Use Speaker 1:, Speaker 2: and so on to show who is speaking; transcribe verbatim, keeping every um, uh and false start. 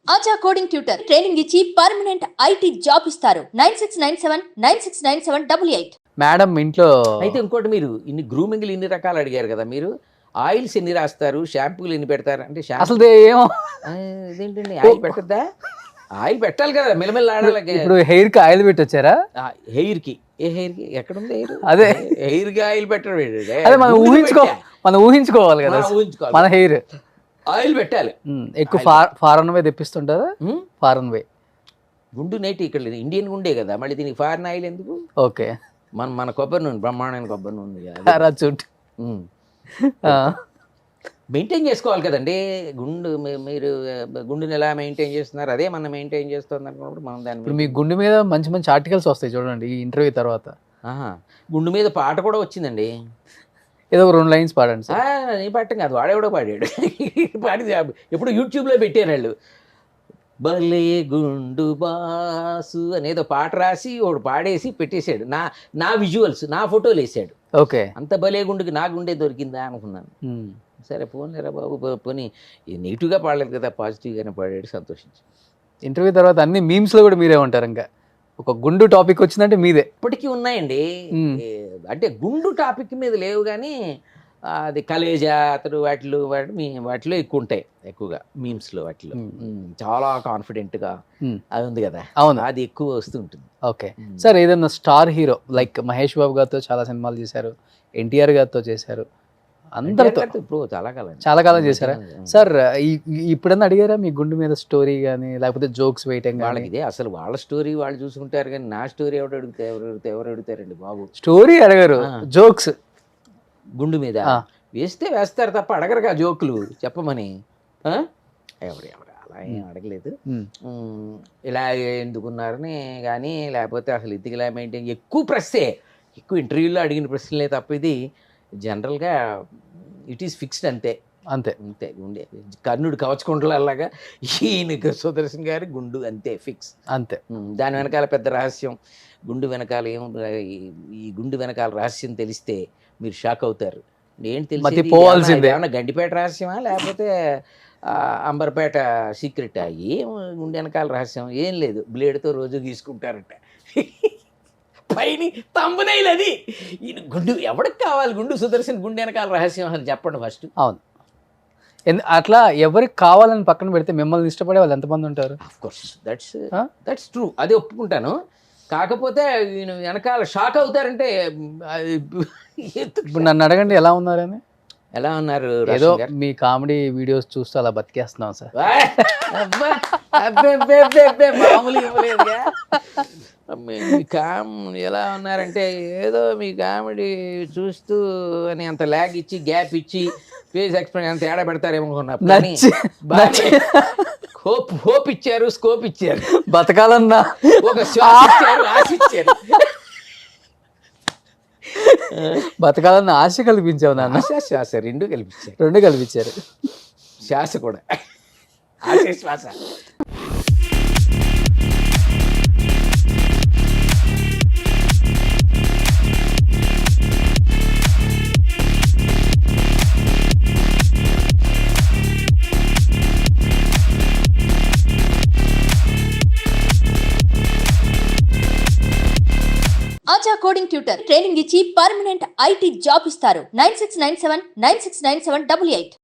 Speaker 1: ఆచా coding tutor training ఇచ్చి permanent IT job ఇస్తారు. Nine six nine seven nine six nine seven double eight.
Speaker 2: Madam ఇంట్లో
Speaker 3: అయితే ఇంకోటి, మీరు ఇన్ని గ్రూమింగ్లు ఇన్ని రకాలు అడిగారు కదా, మీరు ఆయిల్స్ ఎన్ని రాస్తారు, షాంపూలు ఎన్ని పెడతారు అంటే
Speaker 2: అసలు ఏమో
Speaker 3: ఇదేంటండి ఆయిల్ పెట్టద్దా? ఆయిల్ పెట్టాలి కదా, మెల్లమెల్ల ఆడాలి.
Speaker 2: ఇప్పుడు హెయిర్ కి ఆయిల్ పెట్టి వచ్చారా?
Speaker 3: హెయిర్ కి ఏ హెయిర్ కి ఎక్కడుంది హెయిర్?
Speaker 2: అదే
Speaker 3: హెయిర్ కి ఆయిల్ పెట్టడం ఏంటంటే,
Speaker 2: అదే మనం ఊహించుకో మనం ఊహించుకోవాలి కదా
Speaker 3: ఊహించుకోవాలి.
Speaker 2: మన హెయిర్
Speaker 3: ఆయిల్ పెట్టాలి.
Speaker 2: ఎక్కువ ఫారెన్ వే తెప్పిస్తుంటారా? ఫారెన్ వే
Speaker 3: గుండు నేటి ఇక్కడ లేదు, ఇండియన్ గుండే కదా, మళ్ళీ దీనికి ఫారెన్ ఆయిల్ ఎందుకు?
Speaker 2: ఓకే,
Speaker 3: మన మన కొబ్బరి నూనె, బ్రహ్మాండమైన కొబ్బరి నూనె ఉంది కదా,
Speaker 2: చుట్
Speaker 3: మెయింటైన్ చేసుకోవాలి కదండి. గుండు మీ- మీరు గుండుని ఎలా మెయింటైన్ చేస్తున్నారు, అదే మనం మెయింటైన్ చేస్తుంది అనుకున్నప్పుడు మనం దాన్ని
Speaker 2: ఇప్పుడు మీ గుండె మీద మంచి మంచి ఆర్టికల్స్ వస్తాయి చూడండి ఈ ఇంటర్వ్యూ తర్వాత.
Speaker 3: ఆహా, గుండు మీద పాట కూడా వచ్చిందండి.
Speaker 2: ఏదో ఒక రెండు లైన్స్ పాడండి సార్.
Speaker 3: నీ పాడటం కాదు, వాడేవాడో పాడాడు. పాడి ఎప్పుడు యూట్యూబ్లో పెట్టారు వాళ్ళు. భలే గుండు బాసు అనేదో పాట రాసి వాడు పాడేసి పెట్టేశాడు. నా నా విజువల్స్, నా ఫోటోలు వేసాడు.
Speaker 2: ఓకే,
Speaker 3: అంత భలే గుండుకి నా గుండే దొరికిందా అనుకున్నాను. సరే పోన్లేరా బాబు, పోనీ నెగిటివ్గా పాడలేదు కదా, పాజిటివ్గానే పాడాడు, సంతోషించి.
Speaker 2: ఇంటర్వ్యూ తర్వాత అన్ని మీమ్స్ లో కూడా మీరే ఉంటారు. ఇంకా ఒక గుండు టాపిక్ వచ్చిందంటే మీదే.
Speaker 3: ఇప్పటికీ ఉన్నాయండి. అంటే గుండు టాపిక్ మీద లేవు కానీ అది కలేజా అతడు వాటిలో వాటి మీ వాటిలో ఎక్కువ ఉంటాయి, ఎక్కువగా మీమ్స్లో వాటిలో చాలా కాన్ఫిడెంట్గా అది ఉంది కదా,
Speaker 2: అవును,
Speaker 3: అది ఎక్కువ వస్తుంటుంది.
Speaker 2: ఓకే సార్, ఏదన్నా star hero like Mahesh Babu గారితో చాలా సినిమాలు చేశారు, ఎన్టీఆర్ గారితో చేశారు, అందరితో
Speaker 3: ఇప్పుడు చాలా కాలం
Speaker 2: చాలా కాలం చేశారా సార్? ఇప్పుడన్నా అడిగారా మీ గుండు మీద స్టోరీ కానీ లేకపోతే జోక్స్ వేయటం?
Speaker 3: వాళ్ళకి ఇదే అసలు, వాళ్ళ స్టోరీ వాళ్ళు చూసుకుంటారు కానీ నా స్టోరీ ఎవరు అడిగితే ఎవరు అడిగితే ఎవరు అడుగుతారండి బాబు?
Speaker 2: స్టోరీ అడగరు, జోక్స్
Speaker 3: గుండు మీద వేస్తే వేస్తారు తప్ప అడగరుగా జోకులు చెప్పమని. ఎవరు ఎవరు అలా ఏం అడగలేదు. ఇలా ఎందుకున్నారని కానీ, లేకపోతే అసలు ఇది ఇలా మెయింటైన్, ఎక్కువ ప్రశ్నే, ఎక్కువ ఇంటర్వ్యూలో అడిగిన ప్రశ్నలే తప్ప ఇది జనరల్గా ఇట్ ఈస్ ఫిక్స్డ్ అంతే
Speaker 2: అంతే
Speaker 3: అంతే. గుండె కర్ణుడు కవచకుండలాగా ఈయన సుదర్శన్ గారి గుండు అంతే ఫిక్స్ అంతే. దాని వెనకాల పెద్ద రహస్యం, గుండు వెనకాల ఏం, ఈ గుండు వెనకాల రహస్యం తెలిస్తే మీరు షాక్ అవుతారు. ఏంటి తెలిసి
Speaker 2: పోవాల్సిందే,
Speaker 3: ఏమన్నా గండిపేట రహస్యమా లేకపోతే అంబర్పేట సీక్రెటా? ఏం గుండె వెనకాల రహస్యం ఏం లేదు, బ్లేడ్తో రోజు గీసుకుంటారట పైన తంబునైల్. అది ఈయన గుండు ఎవరికి కావాలి? గుండు సుదర్శన్ గుండె వెనకాల రహస్యం అని చెప్పండి ఫస్ట్.
Speaker 2: అవును, అట్లా ఎవరికి కావాలని పక్కన పెడితే మిమ్మల్ని ఇష్టపడే వాళ్ళు ఎంతమంది ఉంటారు?
Speaker 3: Of course that's that's true, అదే ఒప్పుకుంటాను. కాకపోతే ఈయన వెనకాల షాక్ అవుతారంటే,
Speaker 2: ఇప్పుడు నన్ను అడగండి ఎలా ఉన్నారని.
Speaker 3: ఎలా ఉన్నారు?
Speaker 2: ఏదో మీ కామెడీ వీడియోస్ చూస్తూ అలా బతికేస్తున్నాం సార్.
Speaker 3: మామూలు ఇవ్వలేదుగా. మీ కామ్ ఎలా ఉన్నారంటే ఏదో మీ కామెడీ చూస్తూ అని అంత ల్యాగ్ ఇచ్చి గ్యాప్ ఇచ్చి ఫేస్ ఎక్స్ప్రెషన్ అంత తేడా పెడతారేమో అనుకున్నా. హోప్ హోప్ ఇచ్చారు, స్కోప్ ఇచ్చారు,
Speaker 2: బతకాలన్నా
Speaker 3: ఒక శ్వాస ఇచ్చారు, ఆశ ఇచ్చారు.
Speaker 2: బతకాలన్న ఆశ కల్పించావు నాన్న.
Speaker 3: ఆశ శ్వాస రెండు కల్పించారు,
Speaker 2: రెండు కల్పించారు,
Speaker 3: శ్వాస కూడా ఆశ శ్వాస.
Speaker 1: ఆచా కోడింగ్ ట్యూటర్ ట్రైనింగ్ ఇచ్చి పర్మనెంట్ ఐటీ జాబ్ ఇస్తారు. Nine six nine seven nine six nine seven double eight.